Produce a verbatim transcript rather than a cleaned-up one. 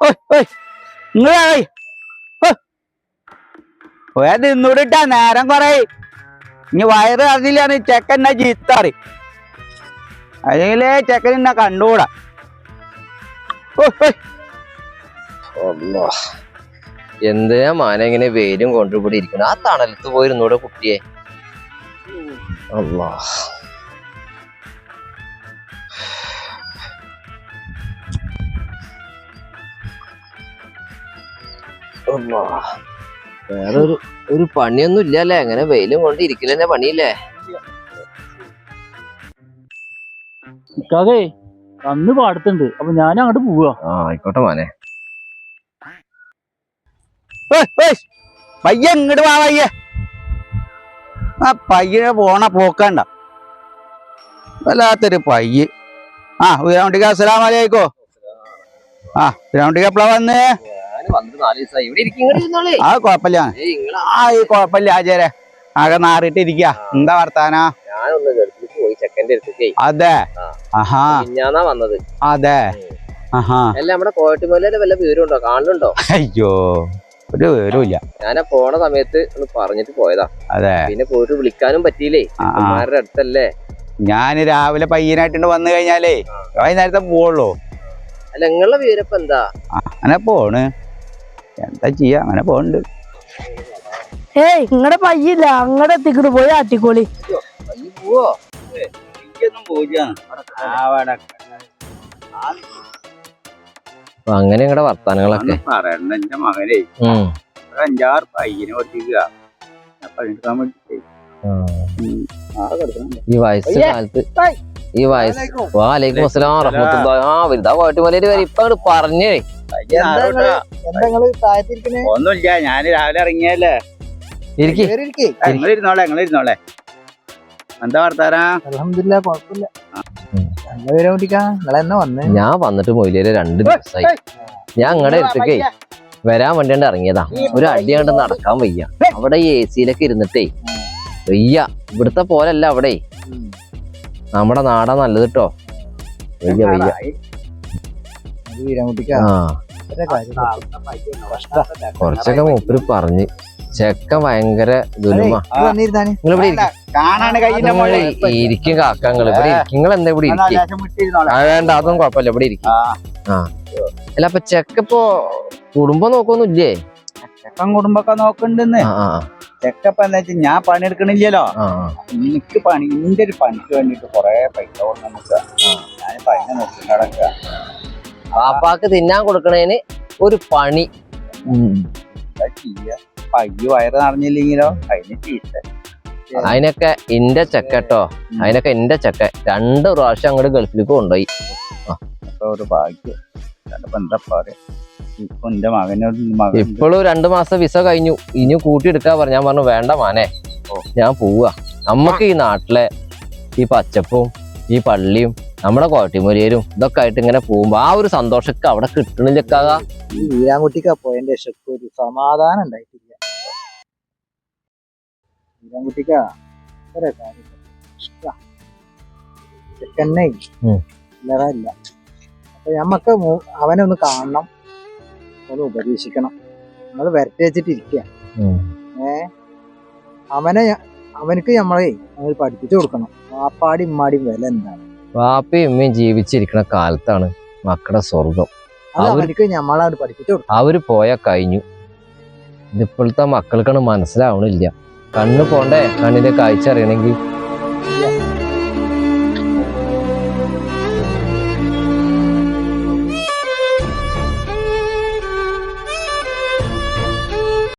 നിന്നോടിട്ടാ നേരം കൊറേ ഇനി വയറ് അറിഞ്ഞില്ലാണ് ചെക്കൻ എന്നെ ചീത്താറി അല്ലെങ്കിലേ ചെക്കൻ എന്നെ കണ്ടുകൂടാ. എന്തിനാ മാന ഇങ്ങനെ വെയിലും കൊണ്ടുകൂടി ഇരിക്കണം? ആ തണലത്ത് പോയിരുന്നൂടെ കുട്ടിയെ? അല്ലാ വേറെ ഒരു ഒരു പണിയൊന്നും ഇല്ലല്ലേ? അങ്ങനെ വെയിലും കൊണ്ട് ഇരിക്കലെന്നെ പണിയില്ലേ? ഇക്കാകെ കന്ന് പാടത്തുണ്ട്, അപ്പൊ ഞാൻ അങ്ങോട്ട് പോവാ. ആ ആയിക്കോട്ടെ മോനെ. പയ്യ ഇങ്ങോട്ട് വാ പയ്യ. ആ പയ്യനെ പോണ പോക്കണ്ട, വല്ലാത്തൊരു പയ്യ്. ആ ഉയരാണ്ടിക്ക് അസ്സലാമു അലൈക്കും. ആ ഉയരാണ്ടിക്ക് എപ്പളാ വന്നേ? ആ കൊഴപ്പില്ല, ആ ഈ കൊഴപ്പില്ല ആചാരെ. ആകെ നാറിട്ട് ഇരിക്ക. എന്താ വർത്താനാ? അതെ ആഹാ വന്നത്. അതെ ആഹാ. അല്ല നമ്മുടെ കോയട്ടുമലയിലെ വല്ല വിവരമുണ്ടോ? കാണുന്നുണ്ടോ? അയ്യോ ഒരു വിവരമില്ല. ഞാനാ പോണ സമയത്ത് ഒന്ന് പറഞ്ഞിട്ട് പോയതാ. അതെ, പിന്നെ പോയിട്ട് വിളിക്കാനും പറ്റിയില്ലേ, അമ്മമാരുടെ അടുത്തല്ലേ. ഞാന് രാവിലെ പയ്യനായിട്ടുണ്ട് വന്നു കഴിഞ്ഞാലേ വൈകുന്നേരത്തെ പോവുള്ളൂ. അല്ല നിങ്ങളുടെ വിവരപ്പ എന്താ? അങ്ങനെ പോണ്, എന്താ ചെയ്യാ, അങ്ങനെ പോണ്ട്. ഏയ് ഇങ്ങടെ പയ്യില്ല, അങ്ങടെ എത്തിക്കിട്ട് പോയി ആറ്റിക്കോളി. പോവോ? അങ്ങനെ നിങ്ങളുടെ വർത്താനങ്ങളൊക്കെ പറയണ്ട. എന്റെ മകനെ അഞ്ചാറ് പയ്യനെ ഓടിക്കുക. ഈ വയസ്സ് കാലത്ത് ഈ വയസ്സ് വാലേക്കും അസ്സലാം റഹ്മത്തുള്ളാഹി. ആ വലുതാ കോയട്ടുമലയില് വരെ ഇപ്പൊ അങ്ങോട്ട് പറഞ്ഞേ. ഒന്നുമില്ല, ഞാന് രാവിലെ ഇറങ്ങിയല്ലേ. ഇരിക്കേ ഇരുന്നോളെ നിങ്ങൾ ഇരുന്നോളെ. എന്താ വർത്താനാ? അൽഹംദുലില്ലാ കുഴപ്പമില്ല. ഞാൻ വന്നിട്ട് മൊയിലേര് രണ്ട് ദിവസമായി. ഞാൻ അങ്ങടെ അടുത്തേക്കേ വരാൻ വേണ്ടിയാണ്ട് ഇറങ്ങിയതാ. ഒരു അടി കണ്ട് നടക്കാൻ വയ്യ. അവിടെ ഈ എ സിയിലൊക്കെ ഇരുന്നിട്ടേ വയ്യ. ഇവിടുത്തെ പോലല്ല അവിടെ. നമ്മുടെ നാടാ നല്ലത് കേട്ടോ. വയ്യ വയ്യ. ആ കൊറച്ചൊക്കെ മൂപ്പര് പറഞ്ഞ്. ചെക്കൻ ഭയങ്കര ദുലുമാ. ഇരിക്കും കാക്കങ്ങൾ ഇവിടെ ഇരിക്കും. നിങ്ങൾ എന്താ ഇവിടെ ഇരിക്കും? വേണ്ട അതൊന്നും കുഴപ്പമില്ല, ഇവിടെ ഇരിക്കും. ആ അല്ല അപ്പൊ ചെക്കപ്പോ കുടുംബം നോക്കൊന്നുമില്ലേ? ചെക്കൻ കുടുംബൊക്കെ നോക്കണ്ടെന്ന്. ചെക്കപ്പ എന്താ വെച്ചാൽ ഞാൻ പണിയെടുക്കണില്ലല്ലോ. എനിക്ക് പണി എന്റെ ഒരു പണിക്ക് വേണ്ടിട്ട് കൊറേ പൈസ കൊടുക്കുക. ഞാൻ പൈസ നോക്കി നടക്കുക. പാപ്പാക്ക് തിന്നാൻ കൊടുക്കണേന് ഒരു പണി. പയ്യ വയറ് നടഞ്ഞില്ലെങ്കിലോ അതിന് ചീത്ത. അതിനൊക്കെ എന്റെ ചെക്കട്ടോ, അതിനൊക്കെ എന്റെ ചെക്ക രണ്ട് പ്രാവശ്യം അങ്ങോട്ട് ഗൾഫിലേക്ക് കൊണ്ടുപോയി. ഒരു ഭാഗ്യം. എന്താ പറയാ, ഇപ്പൊ എന്റെ മകനോട് ഇപ്പോഴും രണ്ടു മാസം വിസ കഴിഞ്ഞു. ഇനി കൂട്ടിയെടുക്കാ പറഞ്ഞു. ഞാൻ പറഞ്ഞു വേണ്ട മാനെ, ഞാൻ പോവാ. നമ്മക്ക് ഈ നാട്ടിലെ ഈ പച്ചപ്പും ഈ പള്ളിയും നമ്മുടെ കോട്ടിമൊലിയരും ഇതൊക്കെ ആയിട്ട് ഇങ്ങനെ പോകുമ്പോ ആ ഒരു സന്തോഷമൊക്കെ അവിടെ കിട്ടണില്ലക്കാക. ഈ വീരാൻകുട്ടിക്ക് പോയതിന്റെ ശക്തി ഒരു സമാധാനം ഉണ്ടായിട്ടില്ല. വീരാൻകുട്ടിക്ക ചെക്കന്നെ ഇല്ല. അപ്പൊ ഞമ്മക്ക് അവനെ ഒന്ന് കാണണം, ഒന്ന് ഉപദേശിക്കണം. നമ്മള് വരട്ടി വെച്ചിട്ടിരിക്കുക. ഏ അവനെ അവനക്ക് നമ്മളെ പഠിപ്പിച്ചു കൊടുക്കണം. വാപ്പാടി ഇമ്മാടിയും വില എന്താണ്. വാപ്പയും ഉമ്മയും ജീവിച്ചിരിക്കുന്ന കാലത്താണ് മക്കളുടെ സ്വർഗം. അവർക്ക് നമ്മളാണ് പഠിപ്പിച്ചു കൊടുക്കും. അവര് പോയാ കഴിഞ്ഞു. ഇതിപ്പോഴത്തെ മക്കൾക്കാണ് മനസ്സിലാവണില്ല. കണ്ണ് പോണ്ടേ, കണ്ണിന്റെ കാഴ്ച അറിയണമെങ്കിൽ